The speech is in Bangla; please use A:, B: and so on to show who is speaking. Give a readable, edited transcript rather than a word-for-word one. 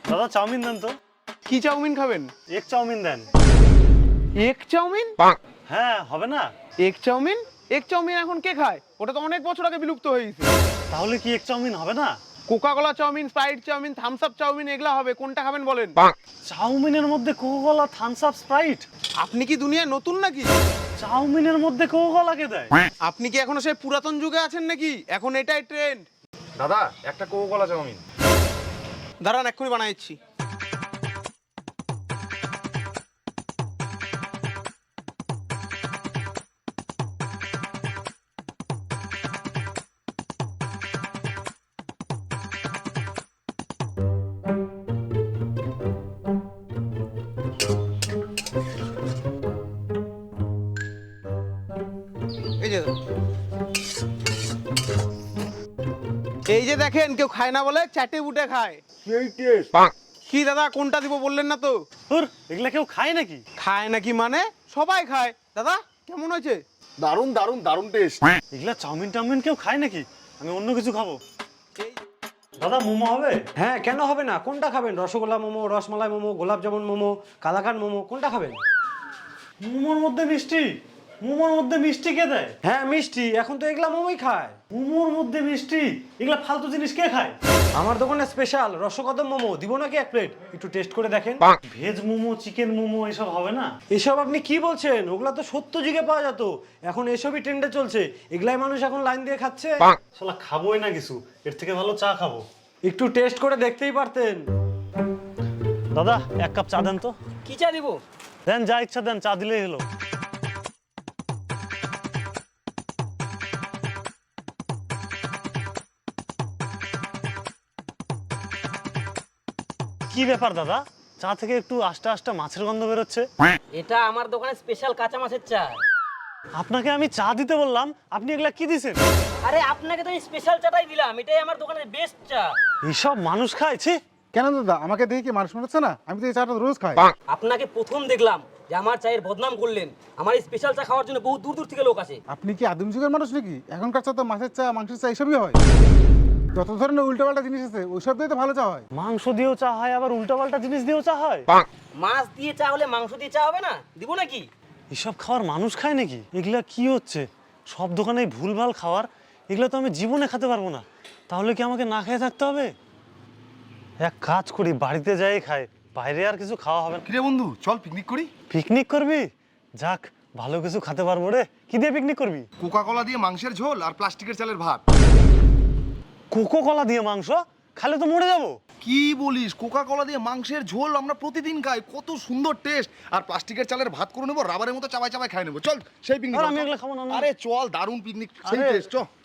A: দাদা চাউমিন দেন তো।
B: কি চাউমিন খাবেন?
A: এগ চাউমিন দেন।
B: Egg chow mein?
A: হ্যাঁ, হবে না?
B: Egg chowmein? এগ চাউমিন এখন কে খায়? ওটা তো অনেক বছর আগে বিলুপ্ত হয়ে গেছে।
A: তাহলে কি এগ চাউমিন হবে না?
B: Coca Cola chow mein, Sprite chow mein, Thums Up chow mein এগুলা হবে, কোনটা খাবেন বলেন?
A: চাউমিনের মধ্যে Coca Cola, Thums Up, Sprite?
B: আপনি কি দুনিয়ায় নতুন নাকি?
A: চাউমিনের মধ্যে কোকা কোলা কে দেয়?
B: আপনি কি এখনো সেই পুরাতন যুগে আছেন নাকি? এখন এটাই ট্রেন্ড।
C: দাদা একটা কোকা কোলা চাউমিন।
B: দাঁড়ান, এক্ষুনি বানাইছি। এই যে দেখেন, কেউ খায় না বলে চাটে উঠে খায়।
C: সেই টেস্ট।
B: কি দাদা, কোনটা দিব বললেন না তো?
A: ধুর, এগুলা কেউ খায় নাকি?
B: খায় নাকি মানে সবাই খায়। দাদা কেমন হয়েছে?
C: দারুণ দারুণ দারুণ টেস্ট।
A: এগুলা চাউমিন টাউমিন কেউ খায় নাকি? আমি অন্য কিছু খাবো। দাদা মোমো হবে?
D: হ্যাঁ, কেন হবে না? কোনটা খাবেন? রসগোল্লা মোমো, রসমালাই মোমো, গোলাপ জামুন মোমো, কালাকান মোমো, কোনটা খাবেন?
A: মোমোর মধ্যে মিষ্টি? মোমোর মধ্যে মিষ্টি কে দেয়?
D: হ্যাঁ মিষ্টি, এখন তো এগুলা মোমোই খায়।
A: মোমোর মধ্যে মিষ্টি? এগুলা ফালতু জিনিস কে খায়?
D: আমার দোকানে স্পেশাল রসকদম মোমো, দিব নাকি এক প্লেট? একটু টেস্ট করে দেখেন।
A: ভেজ মোমো, চিকেন মোমো এসব হবে না?
D: এসব আপনি কি বলছেন? ওগুলা তো সত্য যুগে পাওয়া যেত, এখন এসবই ট্রেন্ডে চলছে। এগুলাই মানুষ এখন লাইন দিয়ে খাচ্ছে।
A: শালা খাবোই না কিছু, এর থেকে ভালো চা খাবো।
D: একটু টেস্ট করে দেখতেই পারতেন।
A: দাদা এক কাপ চা দেন তো।
E: কি চা দিব?
A: দেন, যা ইচ্ছা দেন, চা দিলেই হলো। কি ব্যাপার দাদা, চা থেকে একটু আস্তে আস্তে মাছের গন্ধ বেরোচ্ছে?
E: এটা আমার দোকানে স্পেশাল কাঁচা মাছের চা।
A: আপনাকে আমি চা দিতে বললাম, আপনি এগুলা কি দিছেন?
E: আরে আপনাকে তো স্পেশাল চাটাই দিলাম, এটাই আমার দোকানের বেস্ট চা।
A: এইসব মানুষ খাইছে?
C: কেন দাদা, আমাকে দেখে কি মানুষ মনে হচ্ছে না? আমি তো এই চাটা রোজ খাই।
E: আপনাকে প্রথম দেখলাম যে আমার চায়ের বদনাম করলেন। আমার এই স্পেশাল চা খাওয়ার জন্য বহু দূর দূর থেকে লোক আসে।
C: আপনি কি আদিম যুগের মানুষ নাকি? এখনকার চা তো মাছের চা, মাংসের চা এসবই হয়। যত ধরনের উল্টোপাল্টা জিনিস আছে ওইসব দিয়ে তো ভালো চা হয়।
A: মাংস দিয়েও চা হয়, আবার উল্টাপাল্টা জিনিস দিয়েও চা হয়?
E: মাছ দিয়ে চা হলে মাংস দিয়ে চা হবে না? দিব নাকি?
A: এসব খাওয়ার মানুষ খায় নাকি? এগুলা কি হচ্ছে? সব দোকানে ভুলভাল খাওয়ার, এগুলো তো আমি জীবনে খেতে পারবো না। তাহলে কি আমাকে না খেয়ে থাকতে হবে? এক কাজ করি, বাড়িতে যাই খাই, বাইরে আর কিছু খাওয়া হবে না।
C: কিরে বন্ধু, চল পিকনিক করি।
A: পিকনিক করবি? যাক, ভালো কিছু খেতে পারবো রে। কি দিয়ে পিকনিক করবি?
C: কোকা কোলা দিয়ে মাংসের ঝোল আর প্লাস্টিকের চালের ভাত।
A: কোকো কলা দিয়ে মাংস? খালে তো মরে যাবো।
C: কি বলিস? কোকা কোলা দিয়ে মাংসের ঝোল আমরা প্রতিদিন খাই, কত সুন্দর টেস্ট। আর প্লাস্টিকের চালের ভাত করে নেবো, রাবারের মতো চাবাই চাবাই খাই নেবো। চল সেই পিকনিক।
A: আর আমি এগুলো খাবো না।
C: আরে চল, দারুণ পিকনিক, সেই
A: আরে,
C: টেস্ট। চ।